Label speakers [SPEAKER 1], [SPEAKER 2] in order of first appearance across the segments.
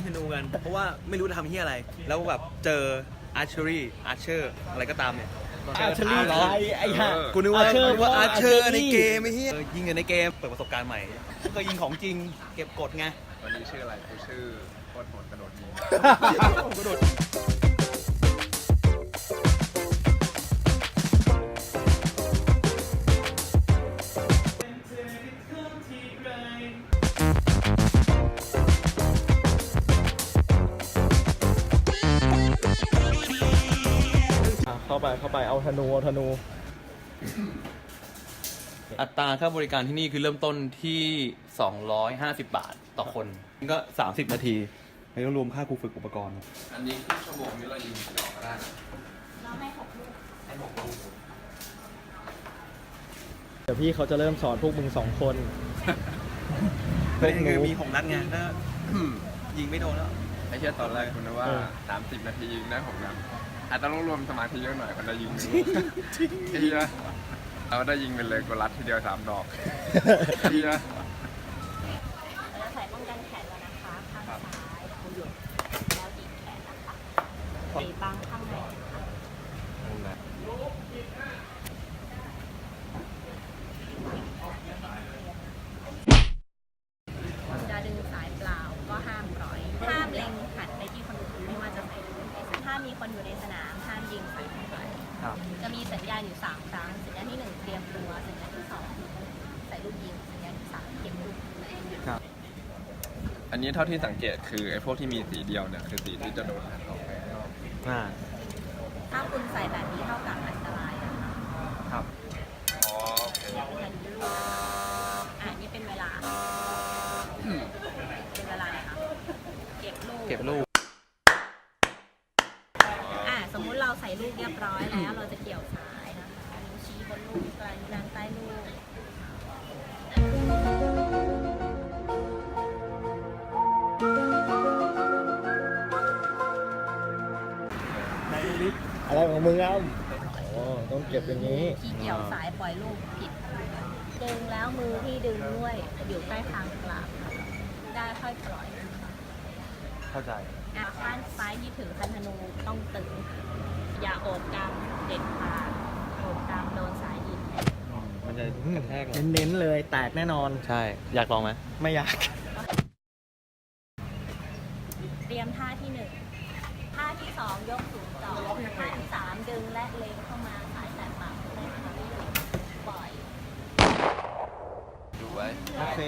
[SPEAKER 1] ธนูกันเพราะว่าไม่รู้จะทำที่อะไรแล้วแบบเจออาร์เชอรี่อะไรก็ตามเนี่ย
[SPEAKER 2] อาร์เชอรี่ใครไอ้ห่า
[SPEAKER 1] กูนึกว่าอาร์เชอร์ในเกมไอ้เหี้ยยิงกันในเกมเปิดประสบการณ์ใหม่ก็ยิงของจริงเก็บกดไง
[SPEAKER 3] วันนี้ชื่ออะไรกูชื่อโคตรโหดกระโดดยิง
[SPEAKER 1] กระโดด
[SPEAKER 2] เข้าไปเอาธนู
[SPEAKER 1] อัตราค่าบริการที่นี่คือเริ่มต้นที่250 บาทต่อคนก็30 นาทีไม่ต้องรวมค่าครูฝึกอุปกรณ์
[SPEAKER 3] อันนี้คือชั่วโมงนี้เรายิงกี่ดอกก็ได้นะ
[SPEAKER 4] เราให้6 ลูก
[SPEAKER 2] เดี๋ยวพี่เขาจะเริ่มสอนพวกมึง2 คน
[SPEAKER 1] เป็นคือมี6 นัดไงถ้ายิงไม่โดนแล้ว
[SPEAKER 3] ไอ้เชี่ยตอนแรกคุณนึกว่า30 นาทียิงได้6 นัดอาจจะต้องรวมสมาธิเยอะหน่อยคนได้ยิงไม่รู้ไอ้เชี่ยเราได้ยิงเป็นเลยกูรัดทีเดียว3 ดอกไอ้เชี่ย
[SPEAKER 4] เราจะใส่ป้องกันแขนแล้วนะคะข้างซ้ายหยุดแล้วดีดแขนนะคะตีบังข้างในจะดึงสายเปล่าก็ห้ามปล่อยห้ามเล็งหันไปที่คนอื่นไม่ว่าจะใส่ถ้ามีคนอยู่ในสนามห้ามยิงใส่คนอื่นจะมีสัญญาณอยู่3 ครั้งสัญญาณที่ 1เตรียมตัวสัญญาณที่ 2ใส่ลูกยิงสัญญาณที่ 3เก็บลูก
[SPEAKER 3] อันนี้เท่าที่สังเกตคือไอ้พวกที่มีสีเดียวเนี่ยคือสีที่จะโดนหันออกไปข้างนอก
[SPEAKER 4] ถ้าคุณใส่แบบนี้เท่ากับอันตรายนะคะ
[SPEAKER 3] ครับอ๋อโอเค
[SPEAKER 4] หันลูกนี่เป็นเวลานะคะเก็บลูกสมมุติเราใส่ลูกเรียบร้อยแล้วเราจะเกี่ยวสายนะคะนิ้วชี้บนลูกกลางนิ้วดันใต้ลูก
[SPEAKER 2] อะไรของมึงอ้ต้องเก็บอย่างนี้
[SPEAKER 4] ที่เกี่ยวสายปล่อยลูกผิดดึงแล้วมือที่ดึงด้วยอยู่ใต้คางกลางได้ค่อยปล่อย
[SPEAKER 1] เข้าใจ
[SPEAKER 4] ข้างซ้ายที่ถือคันธนูต้องตึงอย่าโอบกำเด็ดขาดโอบกำโดนสายดิน
[SPEAKER 1] มันจะกระแทก
[SPEAKER 2] เน้นเลยแตกแน่นอน
[SPEAKER 1] ใช่อยากลองไหม
[SPEAKER 2] ไม่อยาก
[SPEAKER 4] เตรียมท่าที่1ท่าที่2ยกสูงต่อท่าที่3ดึงและเล็งเข้ามาสายแตะปากได้ค่ะปล่อย
[SPEAKER 3] ดูไว้
[SPEAKER 2] โอเค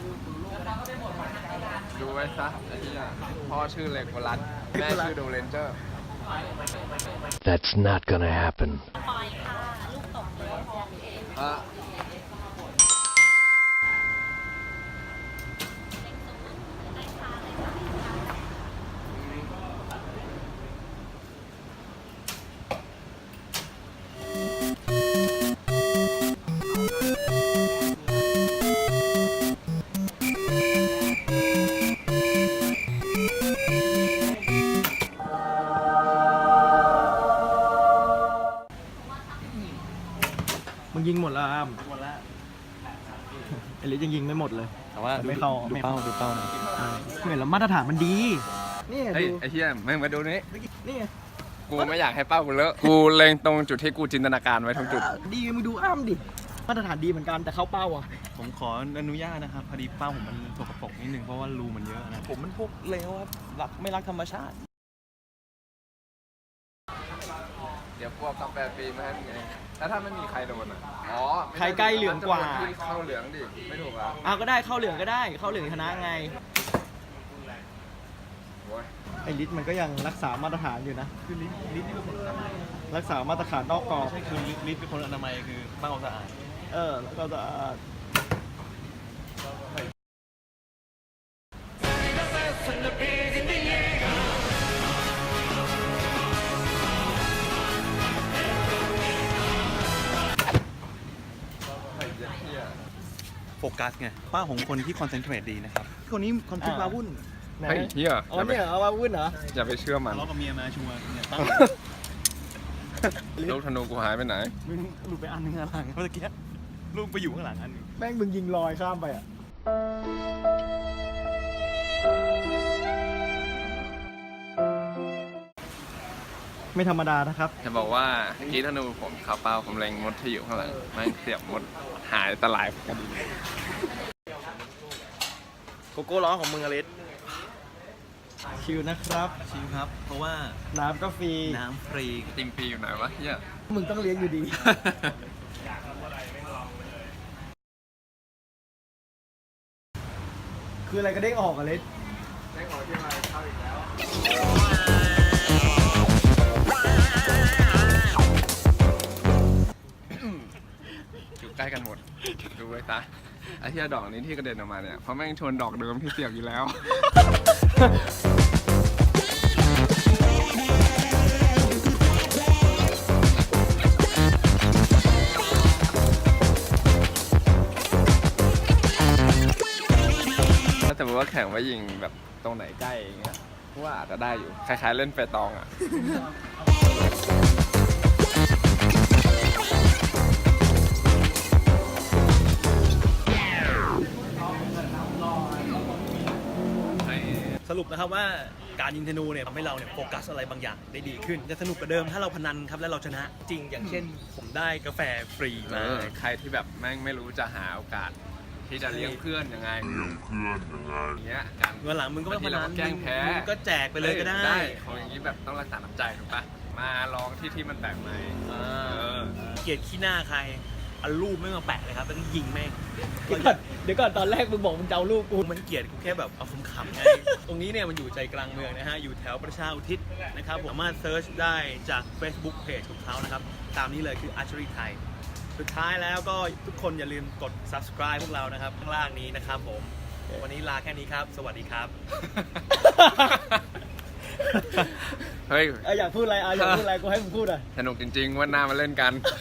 [SPEAKER 3] ดูไว้ซะไอ้ที่พ่อชื่อเลโกลัสแม่ชื่อโดเรนเจอร์
[SPEAKER 5] That's not gonna happen
[SPEAKER 4] ปล่อยค่ะลูกตกเลย
[SPEAKER 2] มึงยิงหมดแล้วอ้ามหมดแล้วไอลิสยังยิงไม่หมดเลย
[SPEAKER 1] แต่ว่า
[SPEAKER 2] ไม่เข้า
[SPEAKER 1] ดูเป้านะ
[SPEAKER 2] เหมือนแล้วมาตรฐานมันดีนี่
[SPEAKER 3] เฮ้ยไอ้เหี้ยมึงมาดูนี่
[SPEAKER 2] นี่
[SPEAKER 3] กูไม่อยากให้เป้ากูเลอะกูเล็งตรงจุดที่กูจินตนาการไว้ทั้งจุด
[SPEAKER 2] ดีมึงดูอ้ามดิมาตรฐานดีเหมือนกันแต่เข้าเป้าอ่ะ
[SPEAKER 1] ผมขออนุญาตนะครับพอดีเป้าผมมันสกปรกนิดนึงเพราะว่ารูมันเยอะนะผมมันพวกเลวครับไม่รักธรรมชาติ
[SPEAKER 3] เดี๋ยวพวกกาแฟฟรีมาให้มึงไงแล้วถ้าไม่มีใครโดนอ่ะอ๋อ
[SPEAKER 2] ใครใกล้เหลืองกว่า
[SPEAKER 3] เข้าเหลืองดิไม่ถูกอ่ะ
[SPEAKER 2] ก็ได้เข้าเหลืองก็ได้เข้าเหลืองชนะไงไอลิสมันก็ยังรักษามาตรฐานอยู่นะ
[SPEAKER 1] คือลิสเป็นคนอนามัย
[SPEAKER 2] รักษามาตรฐานนอกกรอบ
[SPEAKER 1] ใช่คือลิสเป็นคนอนามัยคือเป้าสะอาด
[SPEAKER 2] แล้วก็สะอาด
[SPEAKER 1] โฟกัสไงป้าของคนที่คอนเซนเทรตดีนะครับคนนี้คอนเทนต์มาวุ่น
[SPEAKER 3] เฮ้ยเฮีย
[SPEAKER 2] เนี่ยเอามาวุ่นเหรอ
[SPEAKER 3] อย่าไปเชื่อมัน
[SPEAKER 1] ทะเลาะกับเมียมาชัวร์เนี่ย
[SPEAKER 3] ลูกธนูกูหายไปไหน
[SPEAKER 1] มึงหลุดไปอันนึงข้างหลังเมื่อกี้ลูกไปอยู่ข้างหลังอันนึง
[SPEAKER 2] แม่งมึงยิงลอยข้ามไปอ่ะไม่ธรรมดานะครับ
[SPEAKER 3] จะบอกว่าเมื่อกี้ธนูผมข่าวเปล่าผมเล็งมดที่อยู่ข้างหลังแม่งเสียบมดหายตะลายกัน
[SPEAKER 2] โกโก้ร้อนของมึงอลิสชิลนะครับ
[SPEAKER 1] ชิมครับ เพราะว่า
[SPEAKER 2] น้ำก็ฟรี
[SPEAKER 1] น้ำฟรี
[SPEAKER 3] ติมปีอยู่ไหนวะเฮีย
[SPEAKER 2] มึงต้องเลี้ยงอยู่ดี คืออะไรก็เด้งออกอลิส
[SPEAKER 3] อยู่ใกล้กันหมด ดูไว้ตาไอ้ที่ดอกนี้ที่กระเด็นออกมาเนี่ยเพราะแม่งชนดอกเดิมที่เสียบอยู่แล้ว ถ้าสมมติว่าแข่งว่ายิงแบบตรงไหนใกล้อย่างเงี้ยว่าอาจจะได้อยู่ คล้ายๆเล่นเปตองอ่ะ
[SPEAKER 6] สรุปนะครับว่าการยิงธนูเนี่ยทำให้เราเนี่ยโฟกัสอะไรบางอย่างได้ดีขึ้น จะสนุกกว่าเดิมถ้าเราพนันครับแล้วเราชนะจริงอย่างเช่น ผมได้กาแฟฟรีมา
[SPEAKER 3] ใครที่แบบแม่งไม่รู้จะหาโอกาส ที่จะเลี้ยงเพื่อนยังไงอย่างเงี้ยการ
[SPEAKER 6] วันหลังมึงก็ไม่พนัน
[SPEAKER 3] บางทีเราก็แกล้งแพ้
[SPEAKER 6] มึงก็แจกไปเลยก็ได้
[SPEAKER 3] ของอย่างนี้แบบต้องรักษาน้ำใจถูกปะมาลองที่มันแปลกใหม่
[SPEAKER 6] เกลียดขี้หน้าใครเอารูปไม่มาแปะเลยครับแล้วก็ยิงแม่ง
[SPEAKER 2] เดี๋ยวก่อนตอนแรกมึงบอกมึงจะเอาลูกกู
[SPEAKER 6] มันเกลียดกูแค่แบบเอาขำๆไง ตรงนี้เนี่ยมันอยู่ใจกลางเมืองนะฮะอยู่แถวประชาอุทิศนะครับผมสามารถเซิร์ชได้จาก Facebook Page ของเขานะครับตามนี้เลยคือ Archery Thai สุดท้ายแล้วก็ทุกคนอย่าลืมกด subscribe พวกเรานะครับข้างล่างนี้นะครับผมวันนี้ลาแค่นี้ครับ สวัสดีครับ
[SPEAKER 3] เฮ้ย
[SPEAKER 2] อยากพูดอะไรอยากพูดอะไรกูให้มึงพูดอ่ะ
[SPEAKER 3] สนุกจริงๆวันหน้ามาเล่นกัน